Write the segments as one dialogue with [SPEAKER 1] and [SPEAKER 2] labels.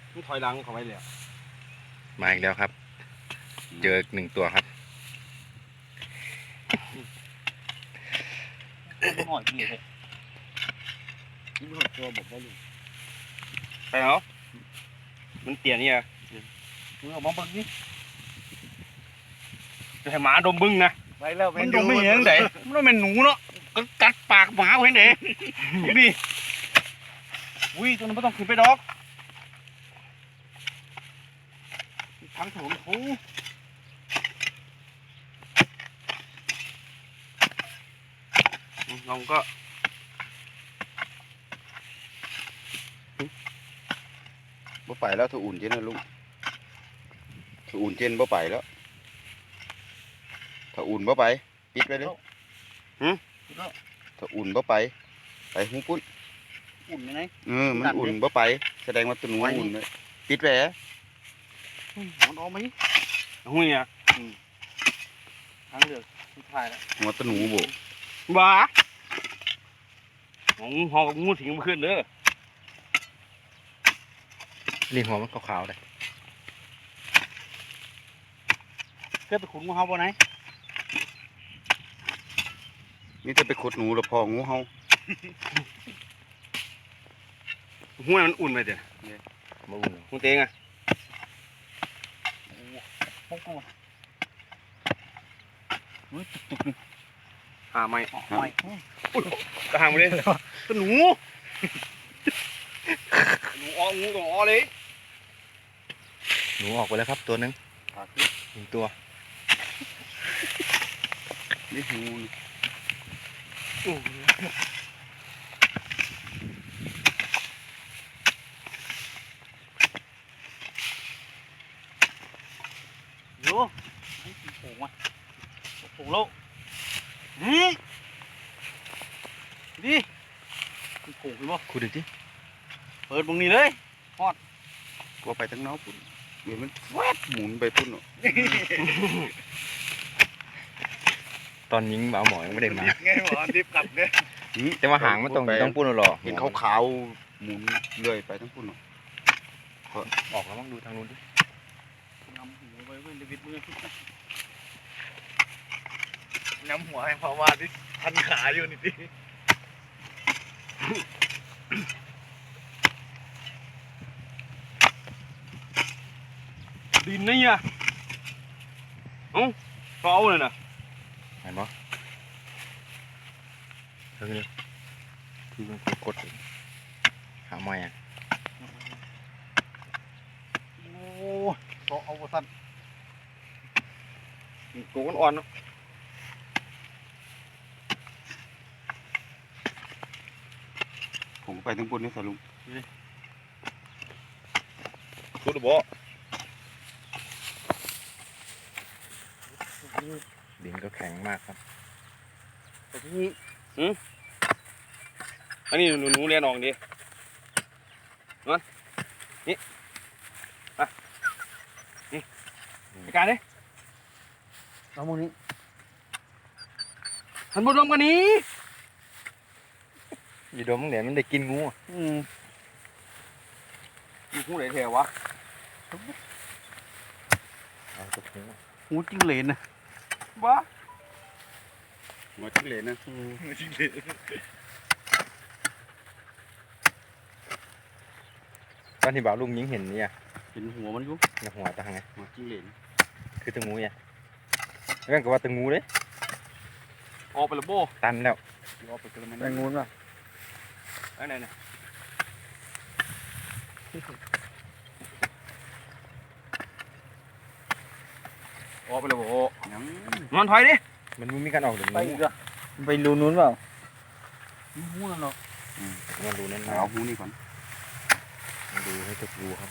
[SPEAKER 1] มันถอยหลังเข้าไปเลย
[SPEAKER 2] มาอีกแล้วครับ เจอหนึ่งตัวครับ
[SPEAKER 3] หอยดีเลยนี่หอยตัวบอกว่าลูก
[SPEAKER 1] ไปเหรอมันเตี้ยนี่อะ
[SPEAKER 3] มึงเอามาบังนี่
[SPEAKER 1] จะให้หมาดมบึ้งนะ
[SPEAKER 3] ไปแล้ว
[SPEAKER 1] มันดมไม่เห็นไหนมันต้องเป็นหนูเนาะก็กัดปากหมาเห็นไหนนี่อุ้ยตัวนั้นไม่ต้องขึ้นไปดอกทั้งถนนเขาลองก็
[SPEAKER 4] บ่ไปแล้วถ้าอุ่นเจนนะลุงถ้าอุ่นเจนบ่ไปแล้วถ้าอุ่นบ่ไปปิดไปเลยถ้าอุ่นบ่ไปไปหูปุ้น
[SPEAKER 3] อุ่นไหมไง
[SPEAKER 4] มันอุ่นบ่ไปแสดงว่าตัวหนูอุ่นเลยปิดไป
[SPEAKER 3] มันออกไหม
[SPEAKER 1] หุ้ยอ่ะ
[SPEAKER 3] ทางเลือกสุดท้ายแล้ว
[SPEAKER 4] หัวตัวหนูบ่
[SPEAKER 1] บ้าของหอกงูถิงมาขึ้นเลย
[SPEAKER 2] ลิ้นหัวมันขาวๆเลย
[SPEAKER 3] เพื่อไปขุนงูเห่าบ่ไหน
[SPEAKER 4] นี่จะไปขุดหนูหรือพองูเห่า
[SPEAKER 1] หุ้ยมันอุ่นไปเดี๋ยว
[SPEAKER 2] มาอุ่น
[SPEAKER 1] มึงเตงอ่ะ
[SPEAKER 3] พวกกู
[SPEAKER 1] หาไม่
[SPEAKER 3] หอย
[SPEAKER 1] กระหังไปเลยตัวหนูหนูอ้องูกับอ้อเลย
[SPEAKER 2] หนูออกไปแล้วครับตัวหนึงหนึ่งตัว
[SPEAKER 4] นี่หู
[SPEAKER 3] โย่โป่งว่ะโป่งโลกนี่ดิโป่งหรือเปล่า
[SPEAKER 2] คุณดูสิ
[SPEAKER 3] เปิดตรงนี้เลย
[SPEAKER 4] กลัวไปทั้งนอกปุ่นเดี๋ยวมันแวบหมุนไปปุ่นเนาะ
[SPEAKER 2] ตอนยิงบ่าวหมอยังไม่ได้มา
[SPEAKER 3] ไงหมอดิบกลับเนี่ย
[SPEAKER 2] แต่ว่าหางมันต้องปุ้นหรอ
[SPEAKER 4] เห็นขาวๆหมุนเลื่อยไปทั้งปุ่นเนาะ
[SPEAKER 2] ออกแล้วมั้งดูทางนู้นดิ
[SPEAKER 3] นำหัวไปเพื่อนเดวิดมือน้ำหัวให้เพราะว่าที่พันขาอยู่นี่ดิ
[SPEAKER 1] ดินนี่อ่ะเอ้าเขาเอาเลยนะ
[SPEAKER 2] เห็นปะเฮ้ยคือมันกดหาไม่อ่ะ
[SPEAKER 3] โอ้โหเอาสั้น
[SPEAKER 1] ตัวอ่อนๆเนาะ
[SPEAKER 4] ผมก็ไปทั้งปุ่นนี่สลุง
[SPEAKER 1] สุดบ่
[SPEAKER 2] ดินก็แข็งมากครับ
[SPEAKER 1] อันนี้หนูเรียนออกดินั่นนี่อ่ะนี่ไปการดิ
[SPEAKER 3] เอามือนี้
[SPEAKER 1] หันบนรวมกันนี้
[SPEAKER 2] อยู่ดมเดี๋ยวมันได้กินงูอ่ะ
[SPEAKER 1] อยู่คู่ไหนแถววะ
[SPEAKER 2] เอาตกหู
[SPEAKER 3] หูจิ้งเหลนนะ
[SPEAKER 1] บ้า
[SPEAKER 4] หัวจิ้งเหลนนะ
[SPEAKER 3] หูจิ้งเหลน
[SPEAKER 2] ตอนที่บ่าวลุงยิงเห็นเนี่ย
[SPEAKER 3] เห็นหัวมันอยู่
[SPEAKER 2] ในหัวตาไง
[SPEAKER 4] หัวจิ้งเหลน
[SPEAKER 2] คือตัวงูเนี่ยเรื่องกับว่าตัวงูเลย
[SPEAKER 1] ออกไปละโบ
[SPEAKER 2] ตันแล้ว
[SPEAKER 4] รอไปกระมัง
[SPEAKER 3] แรงงูป่ะ
[SPEAKER 1] อันไหนเนี่ยออกไปละโบ
[SPEAKER 4] ยัง
[SPEAKER 1] นอนถอยดิ
[SPEAKER 2] มันไม่มีการออกเดี๋ยว
[SPEAKER 3] ไป
[SPEAKER 2] งู
[SPEAKER 3] อีกอ่ะไปรูนู้นเปล่าหูนั่นหรอ
[SPEAKER 2] มาดูนั่นนะ
[SPEAKER 4] เอาหูนี่ก่อน
[SPEAKER 2] มาดูให้ทุกรูครับ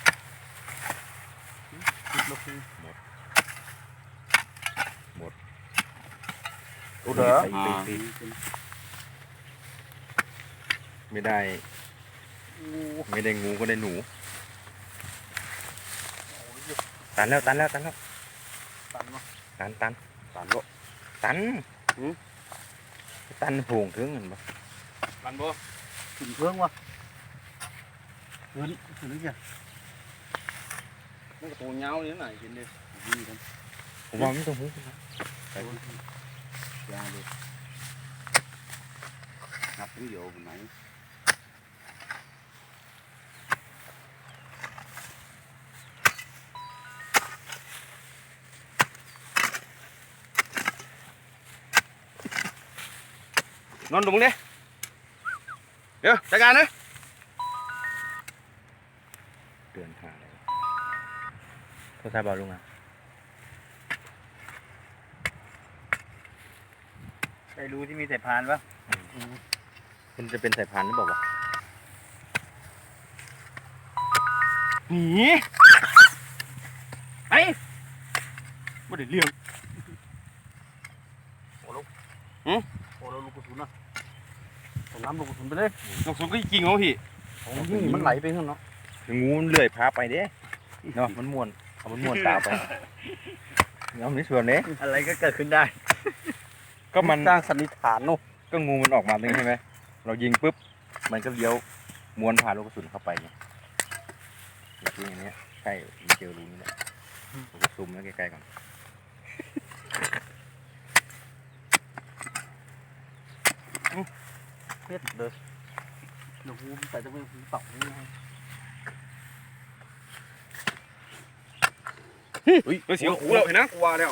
[SPEAKER 3] ดูเด้อ
[SPEAKER 2] ตีไม่ได้ ไม่ได้งูก็ได้หนู ตันแล้วตันแล้วตันแล้ว
[SPEAKER 3] ตันวะ
[SPEAKER 2] ตันตัน
[SPEAKER 4] สารโล
[SPEAKER 2] ตันตันโผงถึงเห็นปะ
[SPEAKER 1] มันโบ
[SPEAKER 3] ถึงเพื่องวะขึ้นหรือยัง
[SPEAKER 1] มันก็ตัวเงาเนี่ยไหนกินดิ
[SPEAKER 4] นี่กัน
[SPEAKER 2] ผมว่ามันต้องหู
[SPEAKER 4] ไปยาเลยนับถึงเดียวบนไหน
[SPEAKER 1] นอนดูมึงดิเดี๋ยวจัดการนะ
[SPEAKER 2] เตือนหาเลยโทรศัพท์เบาลุงอ่ะ
[SPEAKER 3] ไปรู้ที่มีสายพานปะ
[SPEAKER 2] มันจะเป็นสายพานหรือเปล่าวะ
[SPEAKER 1] หนีไอ้ไม่ได้เรื่อง
[SPEAKER 3] โอ้เราลูกกระสุนนะเอาน้ำลูกกระสุนไปเลย
[SPEAKER 1] นกสุนก็จริงเหรอพี่
[SPEAKER 3] โอ้ยมันไหลไปข้างนอก
[SPEAKER 2] งูมันเลื่อยพาไปเด้เนาะมันม่วนเอามันม่วนตามไปเอาในส่วนนี้
[SPEAKER 3] อะไรก็เกิดขึ้นได้
[SPEAKER 2] ก็มัน
[SPEAKER 3] สร้างสันนิษฐานเนอะ
[SPEAKER 2] ก็งูมันออกมาตรงนี้ใช่ไหมเรายิงปุ๊บมันก็เลี้ยวม้วนพาลูกกระสุนเข้าไปไงจริงๆอันเนี้ยใช่มันเจอรูนี่แหละผมก็ซูมแล้วใกล้ๆก่อน
[SPEAKER 3] เพ็ดเลยเดี๋ยวหูใส่ตะเวนหูเต่านี่ไง
[SPEAKER 1] เฮ้ยเสียงหูเราเห็นนะกลัวแล้ว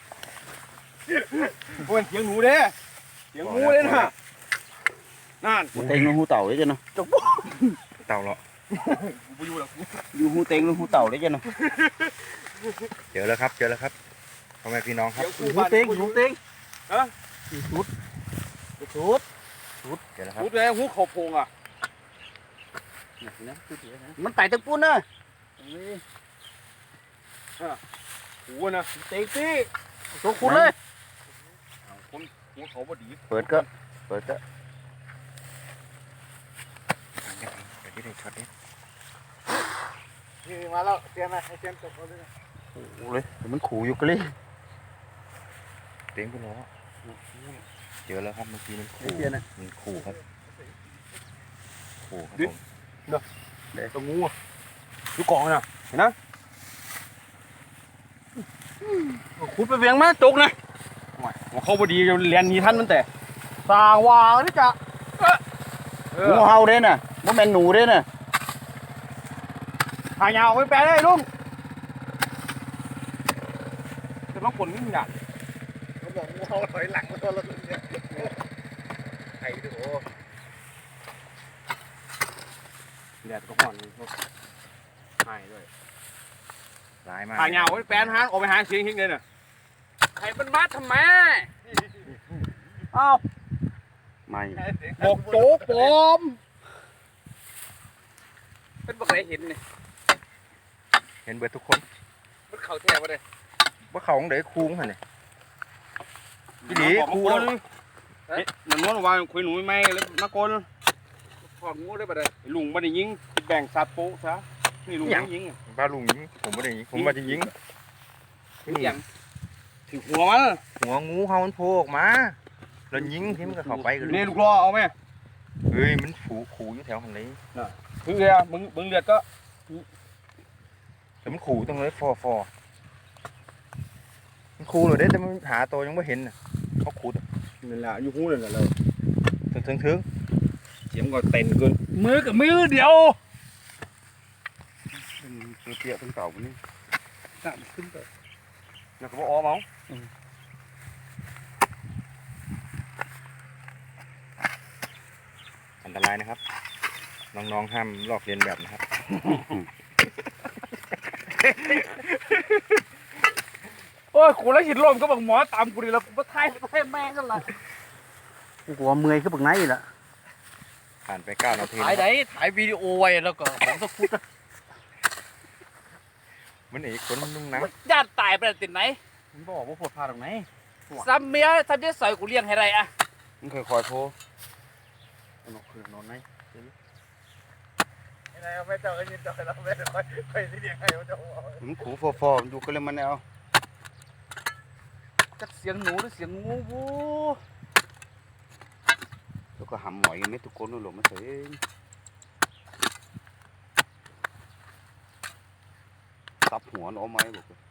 [SPEAKER 1] โอ้ยเสียงหนูเด้เสียงงูเลยนะนั่น
[SPEAKER 4] หูเต็งหรือหูเต่าได้จ้ะเนาะ
[SPEAKER 2] เต่าเหรอ
[SPEAKER 1] กูไปอยู่แล้วกู
[SPEAKER 4] อยู่หูเต็งหรือหูเต่าได้จ้ะเนาะ
[SPEAKER 2] เจอแล้วครับพ่อแม่พี่น้องครับ
[SPEAKER 1] เสียง
[SPEAKER 3] หู
[SPEAKER 1] กู
[SPEAKER 3] เต็งหูเต็ง
[SPEAKER 1] ฮะ
[SPEAKER 3] ชุด
[SPEAKER 2] เจอแล้วครั
[SPEAKER 1] หู
[SPEAKER 2] บ
[SPEAKER 1] เลยหูเขาโพงอ่ะ
[SPEAKER 3] มันไต่ตะปูนนะ
[SPEAKER 1] หูนะ
[SPEAKER 3] เต็งสิตัวคุณเลย
[SPEAKER 1] คนหัวเขาบ่ดี
[SPEAKER 4] เปิดก็เปิดก็
[SPEAKER 2] เดี๋ยวที่ได้ช็อตนี้
[SPEAKER 3] นี่มาแล้วเตรียมนะให้เตรียมตกเขาด้วย
[SPEAKER 4] โอ้โหเลยมันขู่อยู่กันเลย
[SPEAKER 2] เต็งไปแล้วเจอแล้วครับเมื่อกี้มันขู่
[SPEAKER 3] เตรียมนะ
[SPEAKER 2] มันขู่ครับขู่ครับผม
[SPEAKER 1] ตัวงูอ่ะดูกล่องน่ะเห็นนะ
[SPEAKER 3] คุณไปเวียงมาจกนะ
[SPEAKER 1] หัวเขาบ่ดีจะเรียนหนีท่านมันแต่
[SPEAKER 3] สางวางนี่จ้ะ
[SPEAKER 4] งูเห่าเด้น่ะบ่แม่นหนูเด้น่ะ
[SPEAKER 1] หายาวไปแปลได้ลุงจะต้องกดนี่มันอยาก
[SPEAKER 3] เขาบอกงูเขาถอยหลังมาตัวละตัวเนี่ยใครดูโอ้
[SPEAKER 1] แดดก็ห่อนหายด้วย
[SPEAKER 2] ร้ายมาก
[SPEAKER 1] หายาวไปแปลนฮะออกไปหาเสียงทิ้งเลยน่ะใครเป็นมัดทำไม
[SPEAKER 3] อ้าว
[SPEAKER 4] ไม่
[SPEAKER 1] บอกโจ๊กปลอมเป็นบักไรเห็นเนี่ย
[SPEAKER 2] เห็นเบิดทุกคน
[SPEAKER 1] มันเข่าแท้มาเลย
[SPEAKER 2] ว่าเขาของเด็กคูงหันเนี่ย พี่หลี
[SPEAKER 1] ครูมันนวดวางคุยหนูไม่แล้วมากลถอดงูได้ปะเด้ลุงบันได้ยิงแบ่งสัตว์โป๊ซะนี่ลุงไม่ยิง
[SPEAKER 2] บ้าลุงยิงผมไม่ได้ยิงผมว่าจะยิง
[SPEAKER 1] อย่างถึงหัวมัน
[SPEAKER 2] หัวงูเห่ามันโผล่ออกมาแล้วยิงที่มันก็เข้าไปกัน
[SPEAKER 1] นี่ลูกล้อเอาไหม
[SPEAKER 2] เฮ้ยมันขู่อยู่แถวหันเลย
[SPEAKER 1] คือไงมึงเลือดก็
[SPEAKER 2] แต่มันขู่ตรงเลยฟอมันขู่เลยเด้แต่มันหาตัวยังไม่เห็นน่ะเขาขู่
[SPEAKER 1] นั่นแหละอยู่หูนั่นแหละเลย
[SPEAKER 2] ถึง
[SPEAKER 1] เสียงก็เต้นเกินมือกับมือเดียว
[SPEAKER 4] เปียกเป็นเต่านี่
[SPEAKER 1] ขึ้นไปแล้วก็บอกอ๋อเมา
[SPEAKER 2] อันตรายนะครับ น้องๆห้ามลอกเลียนแบบนะครับ
[SPEAKER 1] โอ้ยกูแล้วหินลมก็บอกหมอตามกูดิแล้วกูมาทายแม่งกันละ
[SPEAKER 3] กูกลัวเมื่อยขึ้นบักไหนล่ะ
[SPEAKER 2] ผ่านไป9 นาที
[SPEAKER 3] ถ่ายไหนถ่ายวิดีโอไว้แล้วก็ของสักพุทธ
[SPEAKER 2] มันอีกคนมันนุ่งหนัง
[SPEAKER 3] ญาติตายไปติดไหน
[SPEAKER 1] มึงบอกว่าปวดพาตรงไหน
[SPEAKER 3] ซ้ำเมียซ้ำเจ๊สอยกูเลี้ยงให้ไรอะ
[SPEAKER 4] มันเคยคอยโพ
[SPEAKER 3] นอนคืนนอนไหน
[SPEAKER 1] ไหนไม่เจอกันยินเจอแล้วไม่ค่อยที่เดียงให้มันจะ
[SPEAKER 4] มันขู่ฟอมันอยู่กันเลยมันเอา
[SPEAKER 3] จักเสียงหนูหรือเสียงงูบู
[SPEAKER 4] แล้วก็หำหมอยกันไม่ทุกคนหรอกมันเสียตตับหัวเอาไม้บอกเลย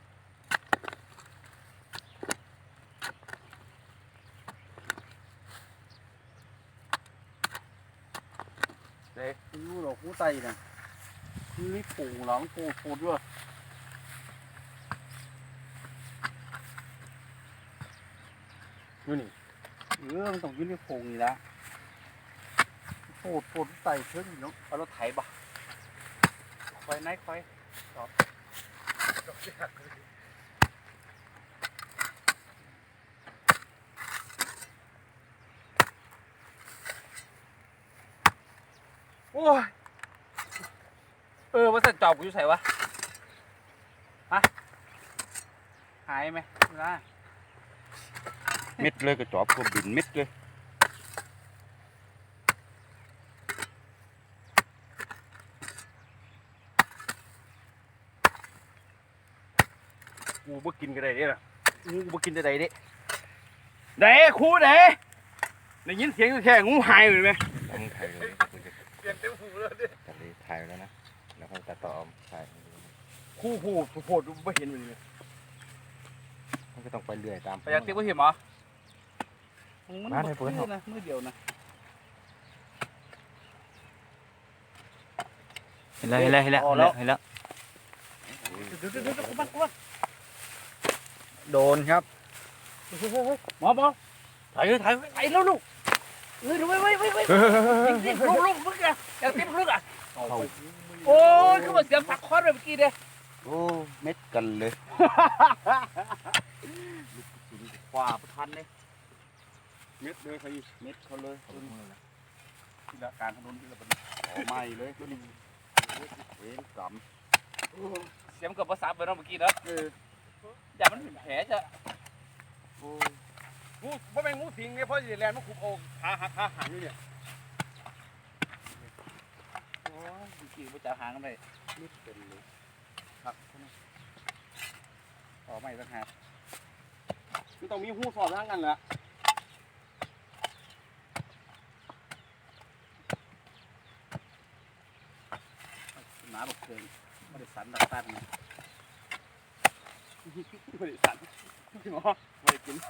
[SPEAKER 3] เด็กรู้หรอกหูไตน่ะนี่ปูหลังปูปูด้วย
[SPEAKER 1] อยู่นี่
[SPEAKER 3] มันต้องยืนในโพงนี่ละปูไตเพิ่งเนาะเอารถไถบ่คอยไหนคอย
[SPEAKER 1] โอ้ย
[SPEAKER 3] ว่าจะจอบกูอยู่ใส่วะฮะหายไหมไม่ได้
[SPEAKER 4] เม็ดเลยกระจอบก็บินเม็ดเลย
[SPEAKER 1] กูบ่กินก็ได้เด้ล่ะ
[SPEAKER 3] งูบ่กินได้เด้
[SPEAKER 1] เด้ครูเด้ได้ยินเสียงอยู่แค่งูหายเลยไหม
[SPEAKER 2] เอามึงถ่ายเลยกูจะ
[SPEAKER 1] เปลี่ยนเต็มหูเลยดิ
[SPEAKER 2] ตัดเลยถ่ายแล้วนะแล้วค่อยตัดต่อเอาถ่าย
[SPEAKER 1] ครูโพดบ่เห็นเลย
[SPEAKER 2] มันก็ต้องไปเรื่อยตาม
[SPEAKER 3] ไปยังติ๊กว่าเห็นหรอมัน
[SPEAKER 2] มาให้เปิด
[SPEAKER 3] มือนะมือเดียวนะเห็นแล้วเดี๋ยวกูบ้าโดนครับหมอถ่ายแล้วลูกไว้ลูกมึงอะอยากติ๊บลูกอะโอ้ยเขาบอกเสียงฝักคอเลยเมื่อกี้เด้
[SPEAKER 4] โอ้เม็ดกันเลย
[SPEAKER 3] ขวาประทันเลย
[SPEAKER 1] เม็ดเลยใคร
[SPEAKER 4] เม็ดเขาเลย
[SPEAKER 3] ที่ละการถนนที่ละเป็น
[SPEAKER 4] เอาไม้เลยตัวนี้เอ็นก
[SPEAKER 3] เสียงกับภาษาเป็นเมื่อกี้เนาะอย่ามันเป็นแผลจะ
[SPEAKER 4] ำโอ้
[SPEAKER 1] งูบ่แม่นงูสิงเนี่ยเพราะสิแลนมาขุบเอาขาหักอยู่เนี่ย
[SPEAKER 3] โอ้ยจริงๆมันจะหางกันเลย
[SPEAKER 4] เม็ดเป็นเลย
[SPEAKER 3] ครับต่อไม่ต่างหาก
[SPEAKER 1] มันต้องมีหูสอดทางกันแหละ
[SPEAKER 3] หนาบกเคยไม่ได้สันดักตันนะ
[SPEAKER 1] บ่ได้สั่นพี่หมอบ่ได้กิน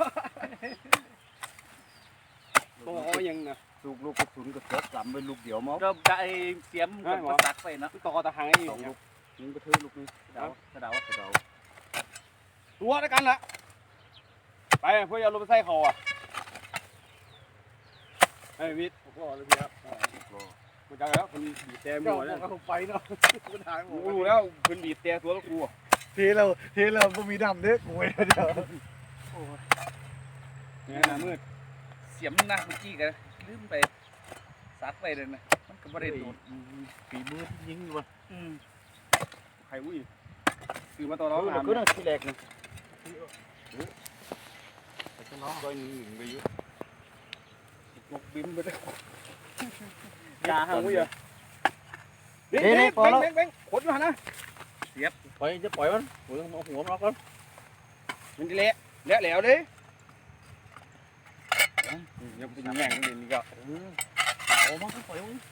[SPEAKER 1] ตัวอ้อยังน่ะ
[SPEAKER 4] ลูกกระสุนกระเสือกกลับไปลูกเดียวมั้ง
[SPEAKER 3] ก็ได้เสียมกับกระสักไปเนาะ
[SPEAKER 1] ต่อตะหางอีก
[SPEAKER 4] สอง
[SPEAKER 1] เนี่ย
[SPEAKER 4] ลูกยิงกระทือลูกนึง
[SPEAKER 3] กระเดา
[SPEAKER 1] ตัวด้วยกันละไปเพื่อจะลงไปใส่เขาอ่ะไอ้วิทย์ผมก็เลยพี่ครับกูจังแล้วคนบีบแต่หมดแล้ว
[SPEAKER 3] เอาไปเนาะกูถ่ายหม
[SPEAKER 1] กูรู้แล้วคนบีบแต่ตัวแล้วกู
[SPEAKER 5] ทีเราไม่มีดำเด้อกูไม่ได้เด้อ
[SPEAKER 1] เนี่ยนะมืด
[SPEAKER 3] เสียมนะเมื่อกี้กันลืมไปซักไปเลยนะมันก็ไม่ได้โดน
[SPEAKER 5] ฝีมือยิงอยู่วะ
[SPEAKER 1] ใครอุ้ยคือมาตอนเรา
[SPEAKER 4] มันก็น่าที่แรกนะ
[SPEAKER 2] ก็ยิงไปอยู่
[SPEAKER 1] นกบินไปเลยยาหางอุ้ยอ่ะแบงขดอยู่หันนะ
[SPEAKER 5] ปล่อยจะปล่อยมันหัวมันเอาหัวมันออกก่อน
[SPEAKER 1] มันจะเละแล้วเลยยังเป็นแง่งนี่นี่ก็
[SPEAKER 5] โอ้มันก็ปล่อยมัน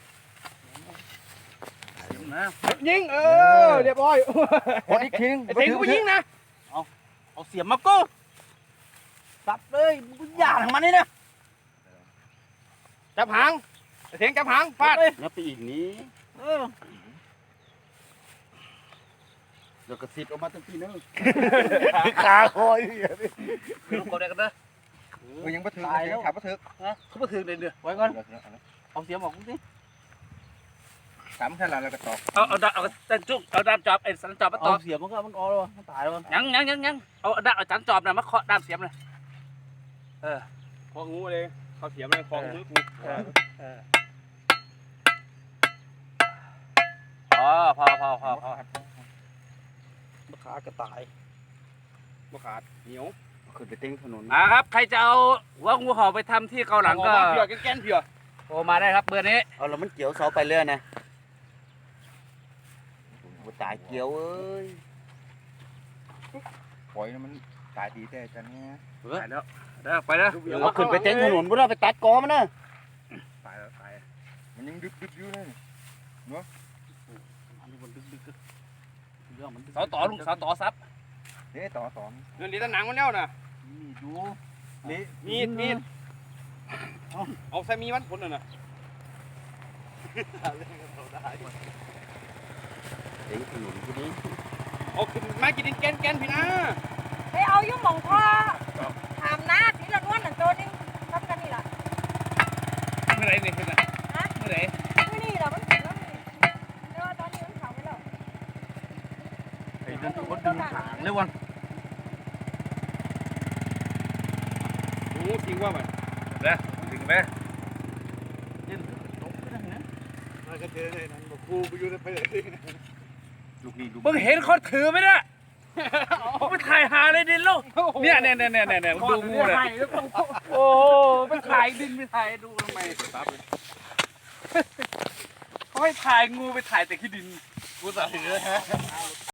[SPEAKER 3] เสียมนะ
[SPEAKER 1] ยิงเรียบร้อย
[SPEAKER 2] กดอีกทีนึง
[SPEAKER 1] ไอ้เสียงกูยิงนะ
[SPEAKER 3] เอาเสียมมาก็สับเลยมึงอย่าทางมันนี่นะ
[SPEAKER 1] จับหางไอ้เสียงจับหางฟาด
[SPEAKER 4] แล้วไปอีกนี้
[SPEAKER 3] เออ
[SPEAKER 4] เดี๋ยวกระสิบออกมาตั้งปีนึง
[SPEAKER 5] ขาคอยนี่
[SPEAKER 3] คือลูกกบได้กันเด้อ
[SPEAKER 2] ยังบ่ถึงถามบ่ถึง
[SPEAKER 3] เขาไปถึงเลยเด้อไว้ก่อนเอาเสียมออกดิ
[SPEAKER 2] ถามแค่นั้นแล้วก็ตอบ
[SPEAKER 3] เอาจันจุกเอาด้ามจอบไอ้สันจอบมาต
[SPEAKER 5] เอา
[SPEAKER 3] อบ
[SPEAKER 5] เสียมันก็มันออกแล้วมันตายแล้ว
[SPEAKER 3] ยังเอาด้ามจันจอบน่ะมาเคาะด้ามเสียมเลย
[SPEAKER 1] คองูเลยเขาเสียบเลยคอมือกู
[SPEAKER 3] พอ
[SPEAKER 5] ขากระต่าย
[SPEAKER 1] บ่ขาดเหนียว
[SPEAKER 4] ขึ้นไปเต็งถนน
[SPEAKER 3] มาครับใครจะเอาหัวงูเห่าไปทำที่เกาหลังก็
[SPEAKER 1] เผือกแกนเผือก
[SPEAKER 3] โทรมาได้ครับเบอร์นี้
[SPEAKER 4] เอาแล้วมันเกี่ยวเสาไปเรื่อยนะตายเกี่ยวเอ้ย
[SPEAKER 2] ปล่อยมันตายดีแต่ตอนนี้
[SPEAKER 3] ไปแล้วไปแล้ว
[SPEAKER 4] เอาขึ้นไปเต็งถนนบ่ได้ไปตัดกอมันนะ
[SPEAKER 1] ตายแล้วตาย
[SPEAKER 2] มันยังดึกอยู่เลย
[SPEAKER 3] อันนี้มันดึกเรื่องมัน
[SPEAKER 5] เสาต่อลุงเสาต่อซับ
[SPEAKER 2] เฮ้ยต่อ
[SPEAKER 1] เงินดีแต่หนังมันแล้วนะ
[SPEAKER 3] นี่ดู
[SPEAKER 1] มีดเอาใส่มีมันผลน่ะนะ
[SPEAKER 2] เดี๋ยวอยู่ที่นี่
[SPEAKER 1] เอาขึ้นมากินดินแกนพี่นะ
[SPEAKER 6] ไปเอายุ่งหมองพ่อถามหน้าสีละนวลหนังตัวนึงทำกันนี่ล่ะ
[SPEAKER 5] เมื่อไหรเนี่ยคือนะเมื่อไหร
[SPEAKER 6] ไม่นี่ล่ะมันถึงแล้วนี่แต่ว่าตอนนี้มันเขาไม่แล้ว
[SPEAKER 3] ไอ้นั่นคนดึงหางเลยวัน
[SPEAKER 1] โอ้จริงว่ามัน
[SPEAKER 5] นะถึงไหม
[SPEAKER 3] เล่นตกไปได้นะ
[SPEAKER 2] ลูกนี่ลูก
[SPEAKER 5] มึงเห็นเขาถือไหมเนี่ยมันถ่ายหาเลยดินลูกเนี่ยมึงดูงูเนี่ย
[SPEAKER 3] โอ้ไปถ่ายดินไปถ่ายดูทำไม
[SPEAKER 5] เขาให้ถ่ายงูไปถ่ายแต่ขี้ดิน
[SPEAKER 3] กูสั่งถือฮะ